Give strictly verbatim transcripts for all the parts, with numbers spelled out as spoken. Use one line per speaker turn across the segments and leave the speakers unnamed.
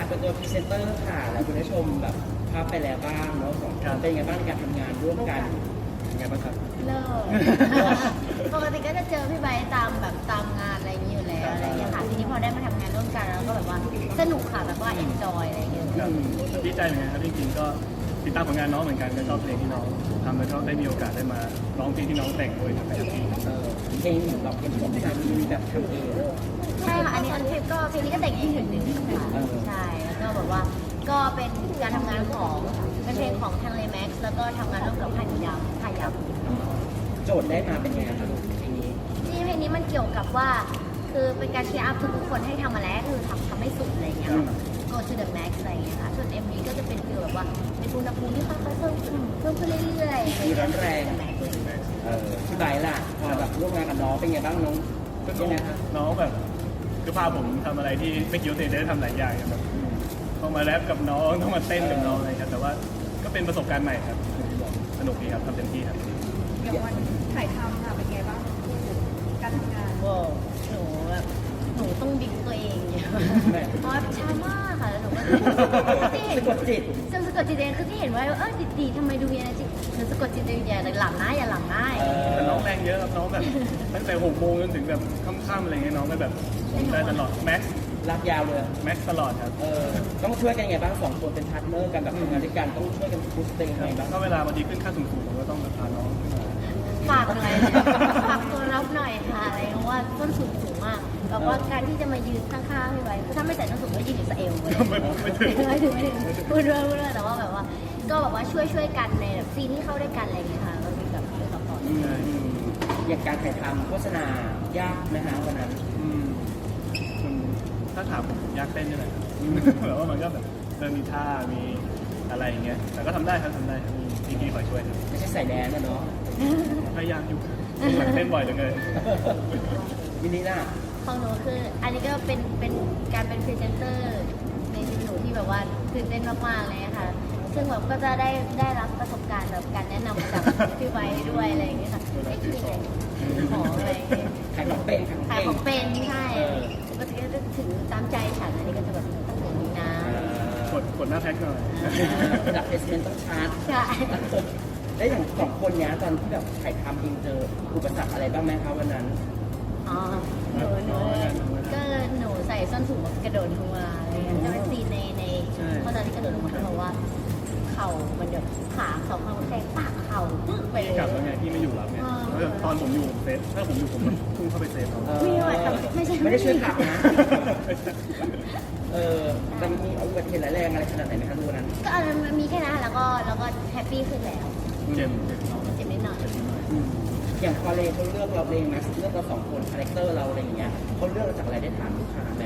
เป็นตัวพรีเซนเตอร์ค่ะแล้วคุณได้ชมแบบภาพไปแล้วบ้างเนาะสองคนเป็นไงบ้างในการทำงานร่วมกันยังไงบ้างครับ
เลิก ปกติก็จะเจอพี่ไบร์ทตามแบบตามงานอะไรอย่างนี้อยู่แล้วอะไรอย่างเงี้ยค่ะทีนี้พอได้มาทำงานร่วมกันแล้วก็แบบว่าสนุกค่ะแบบว่าเอนจอยอะไรอย่างเงี้ย
ครับดีใจเหมือนกันครับจริงๆก็ติดตามผลงานน้องเหมือนกันก็ชอบเพลงที่น้องทำแล้วก็ได้มีโอกาสได้มาร้องเพลงที่น้องแต่งด้วยนะครับ
เออเพลงแบบเป็นของที่มีแบบทำเอง
ใช่ค่ะอันนี้อันนี้ก็เพลงนี้ก็แต่งเองหนึ่งหนึ่งค่ะใช่แล้วก็แบบว่าก็เป็นการทำงานของเป็นเพลงของทางเลแม็กซ์แล้วก็ทำงานร่วมกับค่ายยำค่ายยำ
โจทย์ได้มาเป็นไงครับเพลงนี้
ที่เพลงนี้มันเกี่ยวกับว่าคือเป็นการเชียร์อัพทุกๆคนให้ทำมาแล้วคือทำทำให้สุดอะไรอย่างเงี้ย go to the max อะไรอย่างเงี้ยค่ะส่วน เอ็ม วี ก็จะเป็นฟีลแบบว่าเป็นอุณหภูมิที่ค่อยๆเพิ่มขึ้นเพิ่มขึ้นเรื่อยๆ
มีร้อนแรง
แม็กซ์
เออพี่ไบร์ทล่ะพอแบบร่วมงานกับน้องเป็นไงบ้างน้อง
ก็
ยังไงครับ
น้องแบบคือพาผมทำอะไรที่ไม่คิดว่าตัวเองจะได้ทำหลายอย่างแบบต้องมาแรปกับน้องต้องมาเต้นกับน้องอะไรครับแต่ว่าก็เป็นประสบการณ์ใหม่ครับสนุกดีครับทำเต็มที่ครับ
อย่างวันถ่ายทำค่ะเป็นไงบ้างการทำงาน
โว้หนูแบบหนูต้องดิ้งตัวเองเยอะเพราะว่าช้ามากค่ะแล้วหนูก็ที่เห็น
สะกดจิต
จำสะกดจิตเองคือที่เห็นว่าเออดีๆทำไมดูมีอะไรจิหนูสะกดจิตเองอย่าหลับนะอย่าหลับนะ
แต่น้องแรงเยอะครับน้องแบบตั้งแต่หกโมงจนถึงแบบค่ำๆอะไรเงี้ยน้องก็แบบได้ตลอดแม็กซ์
รักยาวเลย
แม็กซ์ตลอดครับ
เออต้องช่วยกันยังไงบ้างสองคนเป็นพาร์ทเนอร์กันแบบทำงานด้วยกันต้องช่วยกันพุชตัวเองยังไงบ้าง
ก็เวลาบางทีขึ้นค่าสูงๆผมก็ต้องพาน้องขึ้นมา
ฝากหน่อยฝากตัวรับหน่อยค่ะอะไรเพราะว่าต้นสูงสูงมากแบบว่าการที่จะมายืนข้างๆพี่ไว้คือถ้าไม่ใส่ต้นสูงก็ยืนอยู่สะเอวเลย
ไม่ไม่ถึง
ไม่ถึงไม่ถึงพูดเรื่องพูดเรื่องแต่ว่าแบบว่า ก็แบบว่าช่วยช่วยกันในแบบซีนที่เข้าด้วยกันอะไรอย่างเงี้ยค่ะก็มีแบบช่วยซัพพอร์ต
อืมอย่างการถ่ายทำโฆษณายากไหมฮะวันนั้น
อืมมันถ้าถามผมยากเต้นนี่แหละครับแบบว่ามันก็แบบเริ่มมีท่ามีอะไรอย่างเงี้ยแต่ก็ทำได้ครับทำได้ครับมีพี่ๆคอยช่วยครับ
ไม่ใช่ใส่แดนนะเนาะ
พยายามอยู่หลังเต้นบ่อยจังเลย
ยินดีนะ
ของหนูคือ อันนี้ก็เป็นเป็นการเป็นพรีเซนเตอร์ในชีวิตหนูที่แบบว่าตื่นเต้นมากๆเลยค่ะซึ่งแบบก็จะได้ได้รับประสบการณ์แบบการแนะนำจากพี่ไว้ด้วยอะไรอย่างเงี้ยค่ะไม่คิดเลยของอะไรอย่างเงี้ย
ขายของเป็นขาย
ขาย
ข
ข
อ
อง ง
เป็
เป็น นใช่ปกติก็จะถึงตามใจฉันอันนี้ก็จะแบบต้องอย่างนี้นะ
กดกดหน้าแพ็คหน่อย
ระดับเพสเมนต้องชาร์จ
ใช่
แล้วอย่างสองคนเนี้ยตอนที่แบบถ่ายทำเองเจออุปสรรคอะไรบ้างไหมคะวันนั้น
อ๋อหนูหนูก็หนูใส่ส้นสูงกระโดดลงมาอะไรเงี้ยจะเป็นซีนในในเพราะตอนที่กระโดดลงมาเพราะว่าเข่ามันแบบขาเข่าข้างแข้งปากเข่าปึ๊กไปเลย
กลับแล้วไงพี่ไม่อยู่แล้วไงแล้วแบบตอนผมอยู่ผมเซฟถ้าผมอยู่ผมก็พุ่งเข้าไปเซฟเขา
ไม่ไหวแต่ไม่ใช่
ไม่ได้ช่วยขับนะ เออแต่มีอุบัติเหตุร้ายแรงอะไรขนาดไหนไหมคะดูวันนั้น
ก็อันนั้นมันมีแค่นั้นแล้วก็แล้วก็แฮปปี้ขึ้นแล้ว
เจ็บเจ็บน้อง
เจ็บนิดหน่อย
อืมอย่างพอเลเขาเลือกเราเองนะเลือกเราสองคนคาแรคเตอร์เราอะไรอย่างเงี้ยเขาเลือกเราจากอะไรได้ถามลูกค้าไหม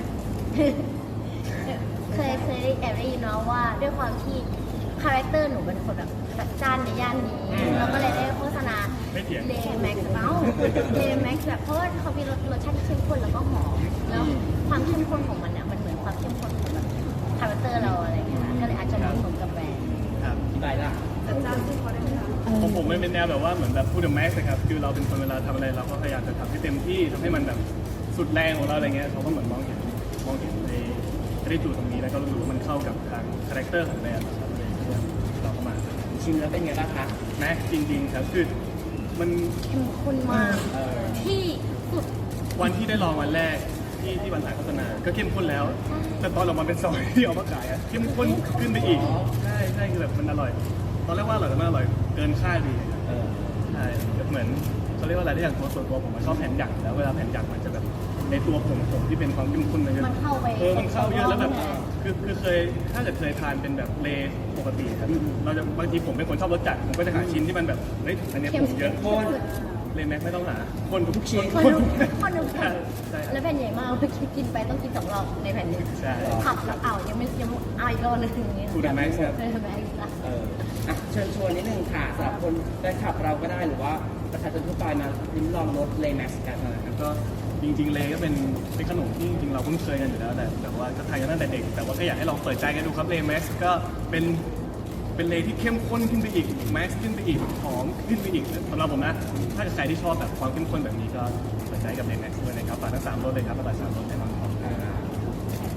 เคยเคยได้แอบได้ยินมาว่าด้วยความที่คาแรคเตอร์หนูเป็นคนแบบจัดจ้านในย่านนี้เราก็เลยได้โฆษณา
ไม่เถียง
เลแม็กซ์เอ้าเลแม็กซ์แบบเพราะว่าเขามีรสรสชาติที่เข้มข้นแล้วก็หอมแล้วความเข้มข้นของมันเนี่ยมันเหมือนความเข้มข้นของแบบคาแรคเตอร์เราอะไรอย่างเงี้ยค่ะก็เลยอาจจะเหมาะสมกับแบรนด์
ครับ
อธิบายล่ะ
จัดจ้านที่เขาได้ไหมคะ
ผมผมไม่เป็นแนวแบบว่าเหมือนแบบพูดถึงแม็กซ์ครับคือเราเป็นคนเวลาทำอะไรเราก็พยายามจะทำให้เต็มที่ทำให้มันแบบสุดแรงของเราอะไรเงี้ยเขาก็เหมือนมองเห็นมองเห็นในในจุดตรงนี้แล้วก็รู้สึกว่ามันเข้ากับทางคาแรคเตอร์ของแบรนด์นะครับเลยเราก็มา
ชิมแล้วเป็นไงบ้างคะ
แม็กซ์จริงๆครับคือมัน
เข้มข้นมาก
เออ
ที่สุด
วันที่ได้ลองวันแรกที่ที่วันถ่ายโฆษณาก็เข้มข้นแล้ว แต่ตอนออกมาเป็นซอยที่เอามาขายอะเข้มข้นขึ้นไปอีกใช่ใช่คือแบบมันอร่อย ตอนแรกว่าอร่อยแต่มันอร่อยเกินคาดดี
เออ
ใช่เหมือนเขาเรียกว่าอะไรได้อย่างตัวส่วนตัวผมมันชอบแผ่นหยักอยู่แล้วเวลาแผ่นหยักมันจะแบบในตัวผมผมที่เป็นความเข้มข้นมันจะ
มันเข้าไป
เออมันเข้าเยอะแล้วแบบคือคือเคยถ้าเกิดเคยทานเป็นแบบเลปกติครับเราจะบางทีผมเป็นคนชอบรสจัดผมก็จะหาชิ้นที่มันแบบเฮ้ยอันเนี้ยผมเยอะ
ข้น
เลแม็กไม่ต้องหาคนทุกชิ้น
คนทุกคนทุกค
ใช่
น
ใช่
แล้วแผ่นใหญ่มากเมื่อกี้กินไปต้องกินสองรอบในแผ่นนี้
ใช่
ขับแล้วเอายังไม่ยังเอาอีกรอบนึงอย่างเงี้ย
ทูดแม็กซ์ครับ
เออแม็กซ์ละ
เอออ่ะเชิญชวนนิดนึงค่ะสำหรับคนแฟนคลับเราก็ได้หรือว่าประชาชนทั่วไปมาลิ้มลองรสเลแม็กซ์กัน
แล้วก็จริงๆเลก็เป็นเป็นขนมที่จริงๆเราคุ้นเคยกันอยู่แล้วแต่แต่ว่าก็ทานกันตั้งแต่เด็กแต่ว่าก็อยากให้ลองเปิดใจกันดูครับเลแม็กซ์ก็เป็นเป็นเลที่เข้มข้นขึ้นไปอีกแม็กซ์ขึ้นไปอีกหอมขึ้นไปอีกสำหรับผมนะถ้าใครที่ชอบแบบความเข้มข้นแบบนี้ก็เปิดใจกับเลแม็กซ์ด้วยนะครับฝากทั้งสามรสเลยครับอร่อยสามรสแน่นอนครับ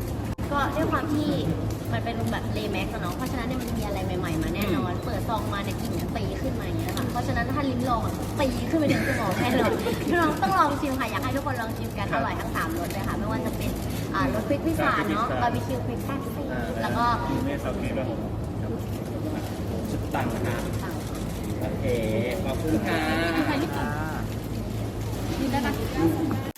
ก็ด้วยความที่มันเป็นแบบเลแม็กซ์เนาะเพราะฉะนั้นเนี่ยมันมีอะไรใหม่ๆมาแน่นอน เปิดซองมาเนี่ยกลิ่นจะตีขึ้นมาอย่างเงี้ยค่ะเพราะฉะนั้นถ้าลิ้มลองตีขึ้นไปถึงสมองแน่นอนลองต้องลองชิมค่ะอยากให้ทุกคนลองชิมกันอร่อยทั้งสามรสเลยค่ะไม่ว่าจะเป็นอ่ารสพริกพิซซ่าเนาะบาร์บีคิวพริกแซ่บแล้วก็
ยูเนสซาเกะครับผม
สุดตังค์นะคะโอเคขอบคุณค่ะ
นี่ได้ปะ